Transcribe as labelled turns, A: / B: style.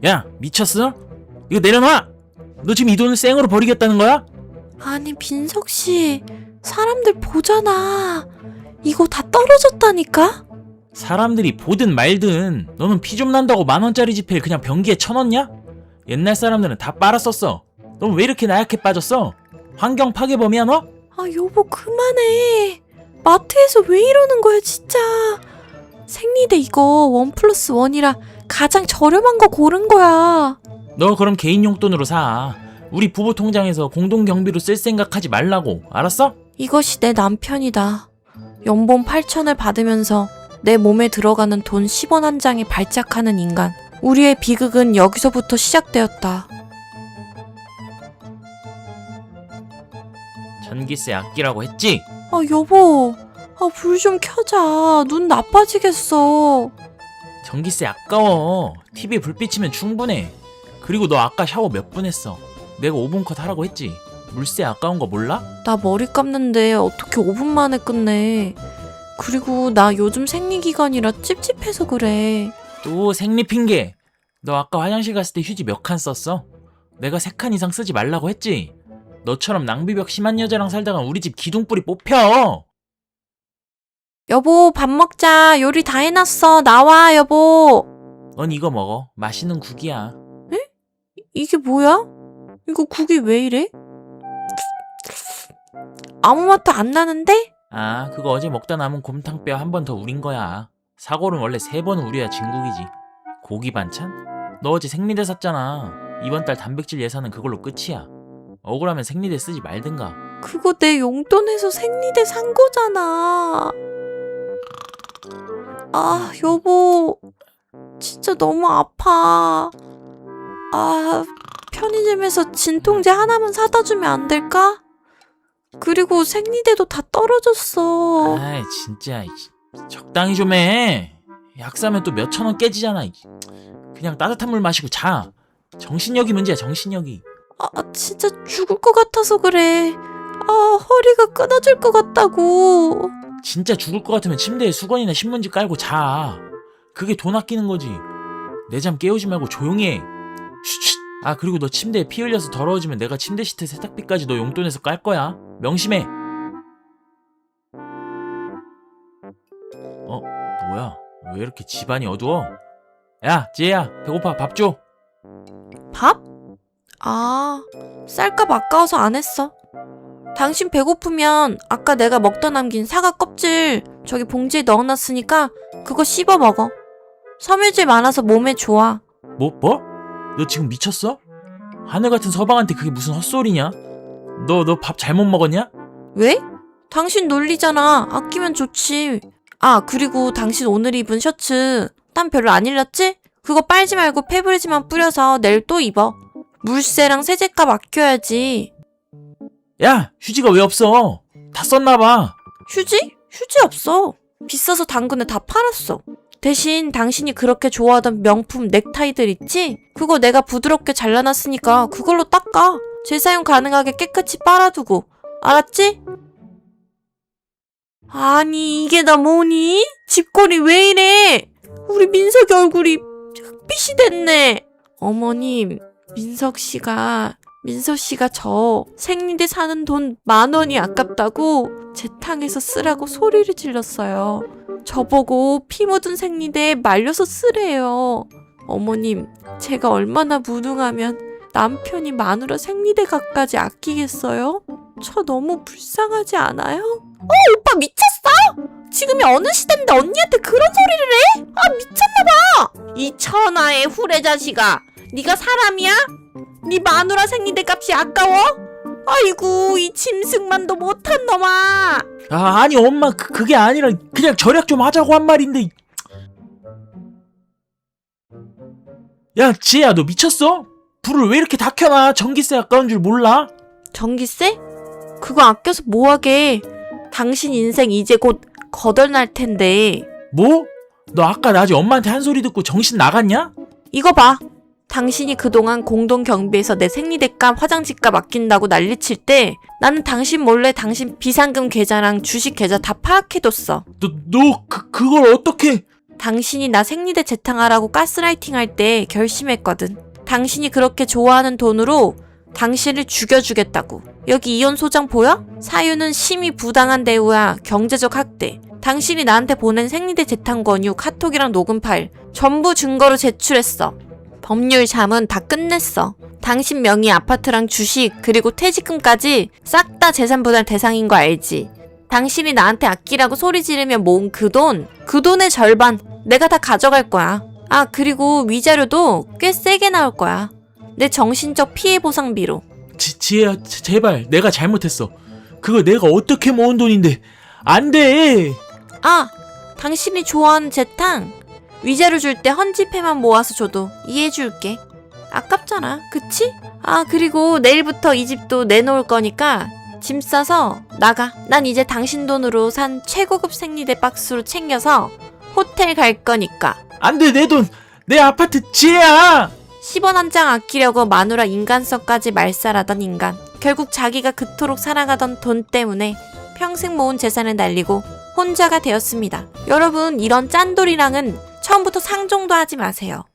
A: 야, 미쳤어? 이거 내려놔! 너 지금 이 돈을 생으로 버리겠다는 거야?
B: 아니 민석씨, 사람들 보잖아. 이거 다 떨어졌다니까?
A: 사람들이 보든 말든 너는 피 좀 난다고 10,000원짜리 지폐를 그냥 변기에 쳐넣냐? 옛날 사람들은 다 빨았었어. 넌 왜 이렇게 나약해 빠졌어? 환경 파괴범이야 너?
B: 아 여보 그만해. 마트에서 왜 이러는 거야 진짜. 생리대 이거 1+1이라 가장 저렴한 거 고른 거야.
A: 너 그럼 개인 용돈으로 사. 우리 부부 통장에서 공동 경비로 쓸 생각하지 말라고. 알았어?
B: 이것이 내 남편이다. 연봉 8,000을 받으면서 내 몸에 들어가는 돈 10원 한 장에 발작하는 인간. 우리의 비극은 여기서부터 시작되었다.
A: 전기세 아끼라고 했지?
B: 아 여보, 불 좀 켜자. 눈 나빠지겠어.
A: 전기세 아까워. TV에 불 비치면 충분해. 그리고 너 아까 샤워 몇 분 했어? 내가 5분 컷 하라고 했지? 물세 아까운 거 몰라?
B: 나 머리 감는데 어떻게 5분 만에 끝내. 그리고 나 요즘 생리기간이라 찝찝해서 그래.
A: 또 생리 핑계. 너 아까 화장실 갔을 때 휴지 몇 칸 썼어? 내가 3칸 이상 쓰지 말라고 했지? 너처럼 낭비벽 심한 여자랑 살다가 우리 집 기둥뿌리 뽑혀.
B: 여보 밥 먹자. 요리 다 해놨어. 나와 여보.
A: 넌 이거 먹어. 맛있는 국이야.
B: 이게 뭐야? 이거 국이 왜 이래? 아무 맛도 안 나는데?
A: 아, 그거 어제 먹다 남은 곰탕뼈 한 번 더 우린 거야. 사골은 원래 3번 우려야 진국이지. 고기 반찬? 너 어제 생리대 샀잖아. 이번 달 단백질 예산은 그걸로 끝이야. 억울하면 생리대 쓰지 말든가.
B: 그거 내 용돈에서 생리대 산 거잖아. 아 여보 진짜 너무 아파. 편의점에서 진통제 하나만 사다 주면 안 될까? 그리고 생리대도 다 떨어졌어.
A: 아이 진짜 적당히 좀 해. 약 사면 또 몇천 원 깨지잖아. 그냥 따뜻한 물 마시고 자. 정신력이 문제야, 정신력이.
B: 진짜 죽을 것 같아서 그래. 허리가 끊어질 것 같다고.
A: 진짜 죽을 것 같으면 침대에 수건이나 신문지 깔고 자. 그게 돈 아끼는 거지. 내 잠 깨우지 말고 조용히 해. 쉿. 그리고 너 침대에 피 흘려서 더러워지면 내가 침대 시트 세탁비까지 너 용돈에서 깔 거야. 명심해. 뭐야? 왜 이렇게 집안이 어두워? 야, 지혜야, 배고파. 밥 줘.
B: 밥? 쌀값 아까워서 안 했어. 당신 배고프면 아까 내가 먹다 남긴 사과 껍질 저기 봉지에 넣어놨으니까 그거 씹어 먹어. 섬유질 많아서 몸에 좋아.
A: 뭐? 너 지금 미쳤어? 하늘 같은 서방한테 그게 무슨 헛소리냐? 너 밥 잘못 먹었냐?
B: 왜? 당신 놀리잖아. 아끼면 좋지. 그리고 당신 오늘 입은 셔츠 땀 별로 안 흘렸지? 그거 빨지 말고 페브리즈만 뿌려서 내일 또 입어. 물세랑 세제값 아껴야지.
A: 야, 휴지가 왜 없어? 다 썼나봐.
B: 휴지? 휴지 없어. 비싸서 당근에 다 팔았어. 대신 당신이 그렇게 좋아하던 명품 넥타이들 있지? 그거 내가 부드럽게 잘라놨으니까 그걸로 닦아. 재사용 가능하게 깨끗이 빨아두고. 알았지? 아니 이게 다 뭐니? 집골이 왜 이래? 우리 민석이 얼굴이 흑빛이 됐네. 어머님, 민석씨가 저 생리대 사는 돈 10,000원이 아깝다고 제 탕에서 쓰라고 소리를 질렀어요. 저보고 피 묻은 생리대에 말려서 쓰래요. 어머님, 제가 얼마나 무능하면 남편이 마누라 생리대값까지 아끼겠어요? 저 너무 불쌍하지 않아요? 오빠 미쳤어? 지금이 어느 시대인데 언니한테 그런 소리를 해? 미쳤나봐. 이 천하의 후레자식아, 네가 사람이야? 네 마누라 생리대 값이 아까워? 아이고 이 짐승만도 못한 놈아.
A: 아니 엄마 그게 아니라 그냥 절약 좀 하자고 한 말인데. 야, 지혜야, 너 미쳤어? 불을 왜 이렇게 다 켜놔? 전기세 아까운 줄 몰라?
B: 전기세? 그거 아껴서 뭐하게. 당신 인생 이제 곧 거덜날 텐데.
A: 뭐? 너 아까 낮에 엄마한테 한 소리 듣고 정신 나갔냐?
B: 이거 봐. 당신이 그동안 공동 경비에서 내 생리대값, 화장지값 아낀다고 난리칠 때 나는 당신 몰래 당신 비상금 계좌랑 주식 계좌 다 파악해뒀어.
A: 그걸 어떻게?
B: 당신이 나 생리대 재탕하라고 가스라이팅 할 때 결심했거든. 당신이 그렇게 좋아하는 돈으로 당신을 죽여주겠다고. 여기 이혼 소장 보여? 사유는 심히 부당한 대우야. 경제적 학대. 당신이 나한테 보낸 생리대 재탕 권유, 카톡이랑 녹음 파일 전부 증거로 제출했어. 법률 자문 다 끝냈어. 당신 명의 아파트랑 주식 그리고 퇴직금까지 싹 다 재산 분할 대상인 거 알지? 당신이 나한테 아끼라고 소리 지르며 모은 그 돈의 절반 내가 다 가져갈 거야. 아, 그리고 위자료도 꽤 세게 나올 거야. 내 정신적 피해 보상비로.
A: 지혜야, 제발 내가 잘못했어. 그거 내가 어떻게 모은 돈인데. 안 돼.
B: 아, 당신이 좋아하는 재탕 위자료 줄 때 헌집회만 모아서 줘도 이해해줄게. 아깝잖아, 그치? 아, 그리고 내일부터 이 집도 내놓을 거니까 짐 싸서 나가. 난 이제 당신 돈으로 산 최고급 생리대 박스로 챙겨서 호텔 갈 거니까.
A: 안 돼, 내 돈. 내 아파트. 지혜야.
B: 10원 한 장 아끼려고 마누라 인간성까지 말살하던 인간. 결국 자기가 그토록 사랑하던 돈 때문에 평생 모은 재산을 날리고 혼자가 되었습니다. 여러분, 이런 짠돌이랑은 처음부터 상종도 하지 마세요.